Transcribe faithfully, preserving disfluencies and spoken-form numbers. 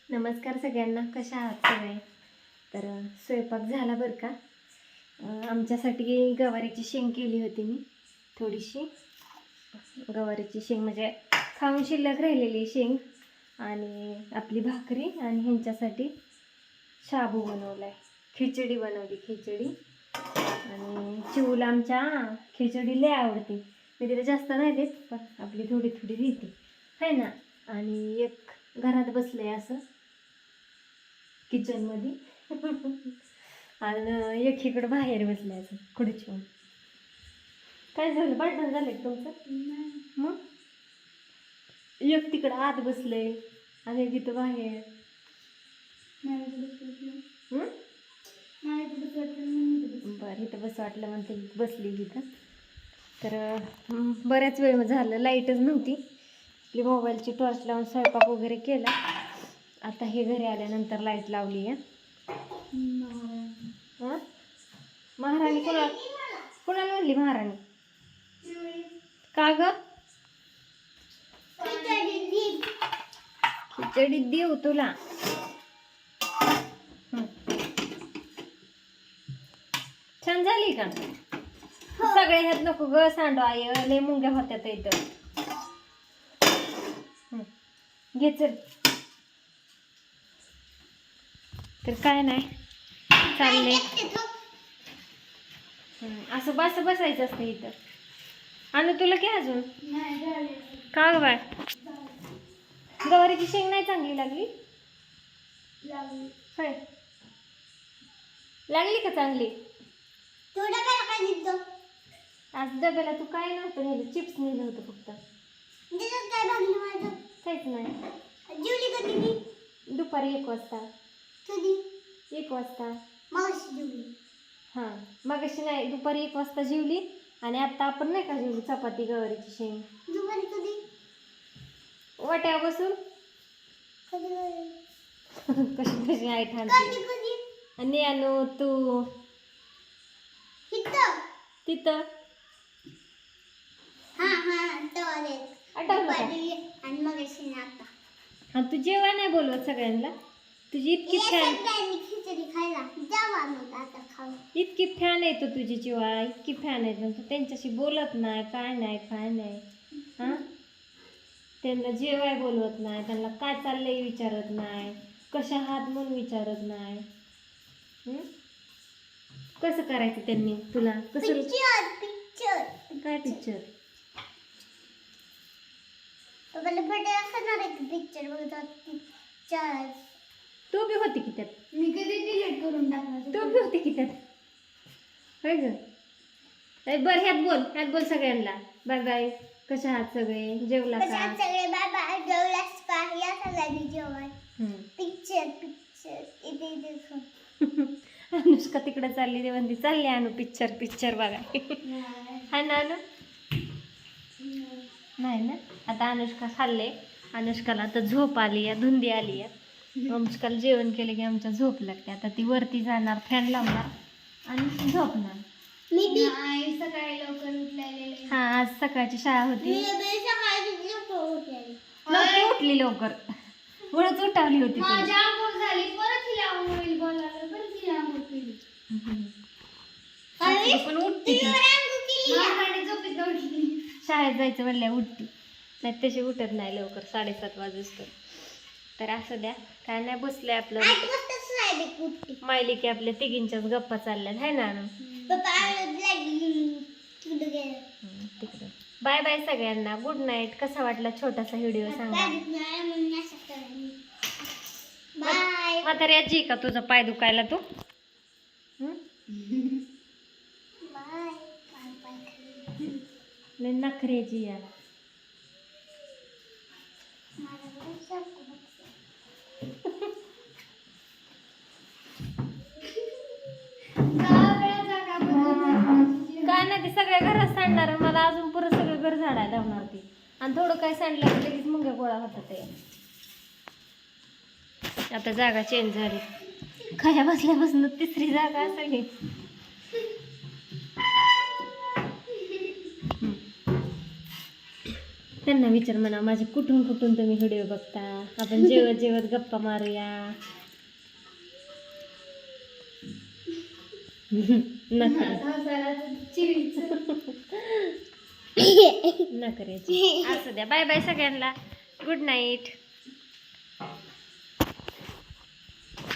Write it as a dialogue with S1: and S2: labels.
S1: नमस्कार सगळ्यांना, कशा आहात सगळे? तर स्वयंपाक झाला बरं का. आमच्यासाठी गवारीची शेंग केली होती मी. थोडीशी गवारीची शेंग म्हणजे खाऊन शिल्लक राहिलेली शेंग आणि आपली भाकरी आणि ह्यांच्यासाठी शाबू बनवला आहे. खिचडी बनवली खिचडी. आणि चिवला आमच्या खिचडी लय आवडते. मी तिला जास्त नाही देत, पण आपली थोडी थोडी देते आहे ना. आणि एक घरात बसले असं किचनमध्ये आणि एक इकडं बाहेर बसले असं खुर्चीवर. काय झालं, भांडण झालं तुमचं? मग एक तिकडं आत बसले आणि तिथं बाहेर. बरं, इथं बस वाटलं म्हणते बसली तिथं. तर बऱ्याच वेळ झालं, लाईटच नव्हती. आपली मोबाईलची टॉर्च लावून स्वयंपाक वगैरे केला. आता हे घरी आल्यानंतर लाईट लावली आहे. हां, महाराणी कोणा कोणाला म्हणली महाराणी? का ग? खिचडी देऊ तुला. छान झाली का? सगळे ह्यात नको ग सांडो आय, लय मुंग्या होत्या इथं. घे चल. तर काय नाही चाललंय असं बस बसायचं असतं इथं. आणि तुला काय अजून का ग बाय? गवारीची शेंग नाही चांगली लागली? होय, लागली का चांगली? आज डब्याला तू काय नव्हतं नेलं, चिप्स नेलं होतं फक्त. काहीच नाही. दुपारी एक वाजता. एक वाजता हां, मग अशी नाही, दुपारी एक वाजता जेवली. आणि आता आपण नाही का जेवली चपाती गवारीची शेंग वाट्या बसून. कशी कशी आई ठाणते. आणि आणू तू तिथं आठवलं का? आणि तू जेव्हा नाही बोलवत सगळ्यांना, तुझी इतकी फॅन इतकी फॅन आहे, तो तुझी चिवा इतकी फॅन आहे, तू त्यांच्याशी बोलत नाही, काय नाही काय नाही. हां, त्यांना जेवाय बोलवत नाही, त्यांना काय चाललंय विचारत नाही, कशा हात म्हणून विचारत नाही. कसं करायचं त्यांनी तुला? कसं काय पिक्चर? तू बी होती की त्यात? मी कधी डिलीट करून टाकला. तू बी होती की त्यात? होय ग. बरं, ह्यात बोल, ह्यात बोल सगळ्यांना बाय बाय. कशा आहात सगळे? जेवला का? सगळे बाय बाय. जेवलास का? या सगळ्यांनी जेवण. पिक्चर पिक्चर इथे इथे. अनुष्का तिकडे चालली, ते म्हणते चालली अनु पिक्चर पिक्चर बघा. हा ना अनु? नाही ना. आता अनुष्का खाल्ले. अनुष्काला आता झोप आली आहे, धुंदी आली आहे. अनुष्काला जेवण केलं की आमच्या झोप लागते. आता ती वरती जाणार, फॅन लावणार आणि झोपणार. मी सकाळी लवकर उठलेले. हा, आज सकाळची शाळा होती. लवकर उठली, लवकर वळच उठावली होती. माझी आंघोळ झाली, परत तिला आंघोळ बोलायला, परत तिला आंघोळ केली. पण उठती झोपेत उठली. शाळेत जायचं म्हणल्या उठती, नाही तशी उठत नाही लवकर, साडेसात वाजता. तर असं द्या, काय नाही, बसले आपलं मायली की आपल्या तिघींच्याच गप्पा चालल्यात आहे ना. तिकडं बाय बाय सगळ्यांना, गुड नाईट. कसा वाटला छोटासा व्हिडिओ सांगा. म्हातारी आजी का तुझा पाय दुखायला? तू नखऱ्याची यार. काय नाही, ते सगळ्या घरात सांडणार, मला अजून पुरं सगळं घर झाडायला लावणार ती. आणि थोडं काय सांडलं की लगेच मुंग्या गोळा होतात. ते आता जागा चेंज झाली, खाया बसल्यापासून तिसरी जागा सगळी. त्यांना विचार म्हणा माझे कुठून कुठून तुम्ही व्हिडिओ बघता, आपण जेवत जेवत गप्पा मारूया. नका नका असू द्या. बाय बाय सगळ्यांना. Good night.